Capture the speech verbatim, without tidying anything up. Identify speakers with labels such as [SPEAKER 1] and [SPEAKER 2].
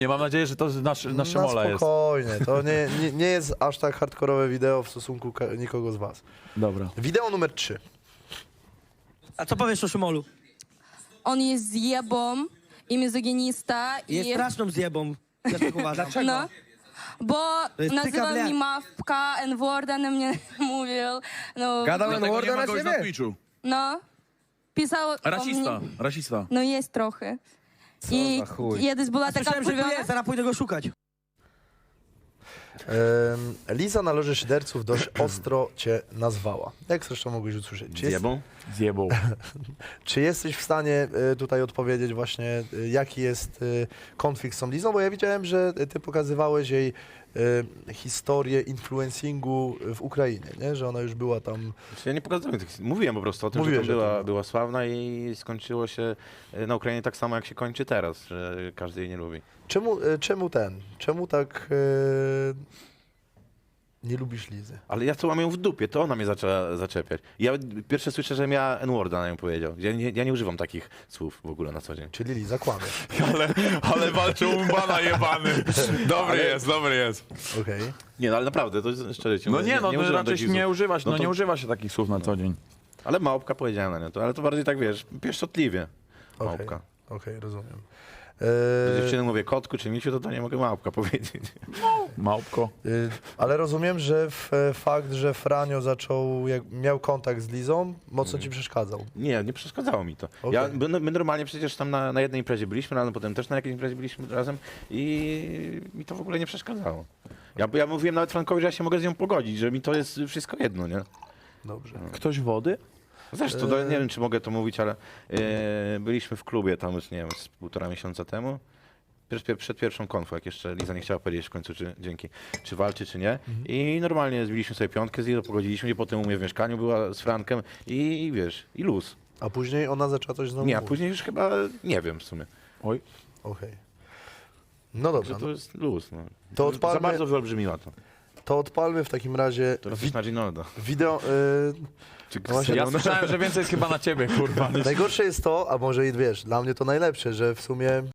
[SPEAKER 1] Nie, mam nadzieję, że to nasz, na Szymola
[SPEAKER 2] Na
[SPEAKER 1] jest.
[SPEAKER 2] spokojnie, to nie, nie, nie jest aż tak hardkorowe wideo w stosunku ka- nikogo z was.
[SPEAKER 1] Dobra.
[SPEAKER 2] Wideo numer trzy.
[SPEAKER 3] A co powiesz o Szymolu?
[SPEAKER 4] On jest zjebą i mizoginista.
[SPEAKER 3] Jest
[SPEAKER 4] i...
[SPEAKER 3] straszną zjebą. Ja tak uważam.
[SPEAKER 4] No, bo
[SPEAKER 3] To jest
[SPEAKER 4] nazywał
[SPEAKER 3] tyka,
[SPEAKER 4] mnie
[SPEAKER 3] blядь.
[SPEAKER 4] mawka, N-worda na mnie mówił. No,
[SPEAKER 5] Gadał
[SPEAKER 6] Dlatego nie
[SPEAKER 5] N-worda
[SPEAKER 6] ma
[SPEAKER 5] na
[SPEAKER 6] go już na
[SPEAKER 5] ciebie?
[SPEAKER 6] Twitchu.
[SPEAKER 4] no, pisał o
[SPEAKER 6] Rasista,
[SPEAKER 4] mnie.
[SPEAKER 6] rasista.
[SPEAKER 4] No jest trochę.
[SPEAKER 5] Co
[SPEAKER 4] I
[SPEAKER 5] za chuj.
[SPEAKER 4] kiedyś była taka
[SPEAKER 3] Słyszałem, że go
[SPEAKER 4] płyta-
[SPEAKER 3] jest, zaraz pójdę go szukać.
[SPEAKER 2] Ym, Liza na loży szyderców dość ostro cię nazwała. Jak zresztą mogłeś usłyszeć. Czy, jest,
[SPEAKER 6] Zjebą?
[SPEAKER 1] Zjebał.
[SPEAKER 2] czy jesteś w stanie y, tutaj odpowiedzieć właśnie, y, jaki jest y, konflikt z tą Lizą? Bo ja widziałem, że ty pokazywałeś jej y, historię influencingu w Ukrainie, nie? Że ona już była tam...
[SPEAKER 6] Znaczy, ja nie pokazałem tych. Mówiłem po prostu o tym,
[SPEAKER 2] Mówiłeś
[SPEAKER 6] że
[SPEAKER 2] o
[SPEAKER 6] tam była,
[SPEAKER 2] tym.
[SPEAKER 6] była sławna i skończyło się e, na Ukrainie tak samo, jak się kończy teraz, że każdy jej nie lubi.
[SPEAKER 2] Czemu, y, czemu ten? Czemu tak y, nie lubisz Lizy?
[SPEAKER 6] Ale ja co mam ją w dupie, to ona mnie zaczęła zaczepiać. Ja pierwsze słyszę, że ja N-worda na nią powiedział. Ja nie, ja nie używam takich słów w ogóle na co dzień.
[SPEAKER 2] Czyli Liza kłamie.
[SPEAKER 1] Ale, ale walczył umbana jebany. Dobry jest, dobry jest.
[SPEAKER 2] Okej.
[SPEAKER 6] Nie, no ale naprawdę, to jest szczerze ci
[SPEAKER 1] No
[SPEAKER 6] mówię,
[SPEAKER 1] nie, no to
[SPEAKER 6] używam
[SPEAKER 1] raczej
[SPEAKER 6] takich
[SPEAKER 1] się nie
[SPEAKER 6] słów.
[SPEAKER 1] używać,
[SPEAKER 6] No
[SPEAKER 1] no
[SPEAKER 6] to-
[SPEAKER 1] nie używa się takich słów na co dzień.
[SPEAKER 6] Ale małpka powiedziałem na nią, to, ale to bardziej tak, wiesz, pieszczotliwie.
[SPEAKER 2] Okej,
[SPEAKER 6] Małpka.
[SPEAKER 2] okej, rozumiem.
[SPEAKER 6] Do
[SPEAKER 2] E,
[SPEAKER 6] dziewczyny mówię kotku czy misiu, to to nie mogę małpka powiedzieć.
[SPEAKER 1] Małpko.
[SPEAKER 2] y, ale rozumiem, że w, e, fakt, że Franio zaczął, jak, miał kontakt z Lizą, mocno ci przeszkadzał.
[SPEAKER 6] Nie, nie przeszkadzało mi to.
[SPEAKER 2] Okej.
[SPEAKER 6] Ja, my, my normalnie przecież tam na, na jednej imprezie byliśmy, ale potem też na jakiejś imprezie byliśmy razem i mi to w ogóle nie przeszkadzało. Ja, ja mówiłem nawet Frankowi, że ja się mogę z nią pogodzić, że mi to jest wszystko jedno, nie?
[SPEAKER 2] Dobrze.
[SPEAKER 1] Ktoś wody?
[SPEAKER 6] Zresztą, to, nie wiem, czy mogę to mówić, ale e, byliśmy w klubie tam już, nie wiem, z półtora miesiąca temu. Przed, pier- przed pierwszą konfą, jak jeszcze Liza nie chciała powiedzieć w końcu, czy dzięki, czy walczy, czy nie. I normalnie zbiliśmy sobie piątkę z Lizą, pogodziliśmy się, potem u mnie w mieszkaniu była z Frankiem i, i wiesz, i luz.
[SPEAKER 2] A później ona zaczęła coś znowu
[SPEAKER 6] Nie, a
[SPEAKER 2] mówić.
[SPEAKER 6] później już chyba nie wiem w sumie.
[SPEAKER 1] Oj.
[SPEAKER 2] Okej. No dobrze,
[SPEAKER 6] Że to
[SPEAKER 2] no,
[SPEAKER 6] jest luz. No.
[SPEAKER 2] To
[SPEAKER 6] Za
[SPEAKER 2] odpalmy-
[SPEAKER 6] bardzo wyolbrzymiła to.
[SPEAKER 2] to odpalmy w takim razie
[SPEAKER 6] To
[SPEAKER 2] wi-
[SPEAKER 6] na Ginolda.
[SPEAKER 2] wideo... Y,
[SPEAKER 6] Czy
[SPEAKER 2] No właśnie,
[SPEAKER 1] Ja
[SPEAKER 6] Kseniona?
[SPEAKER 1] słyszałem, że więcej jest chyba na ciebie, kurwa.
[SPEAKER 2] najgorsze jest to, a może i wiesz, dla mnie to najlepsze, że w sumie